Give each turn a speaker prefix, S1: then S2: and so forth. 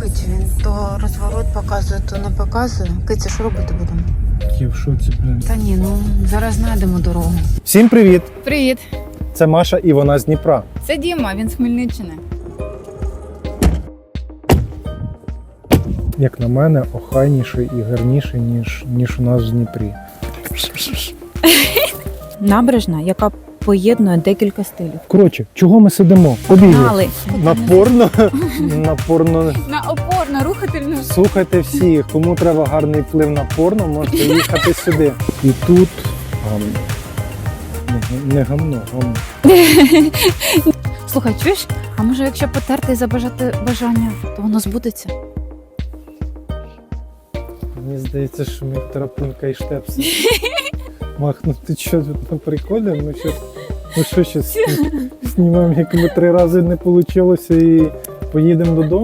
S1: ловить, він то розворот показує, то не показує. Киця, що робити будемо?
S2: Я в шоці, блін.
S1: Та ні, ну зараз знайдемо дорогу.
S2: Всім привіт!
S3: Привіт,
S2: Це Маша і вона з Дніпра.
S3: це Діма, він з Хмельниччини.
S2: Як на мене, охайніший і гарніший, ніж у нас в Дніпрі.
S4: Набережна, яка поєднує декілька стилів.
S2: Коротше, чого ми сидимо? Побігли.
S4: Знали.
S2: На порно.
S3: На опорно, рухательну.
S2: Слухайте всі, кому треба гарний вплив на порно, можете їхати сюди. І тут гамно. Не гамно, гамно.
S4: Слухай, чуєш? А може, якщо потерти і забажати бажання, то воно збудеться?
S2: Мені здається, що ми Тарапунька і Штепси. Мах, ну ти що тут на приколі? Ми що зараз знімаємо, як ми 3 рази не вийшло і поїдемо додому?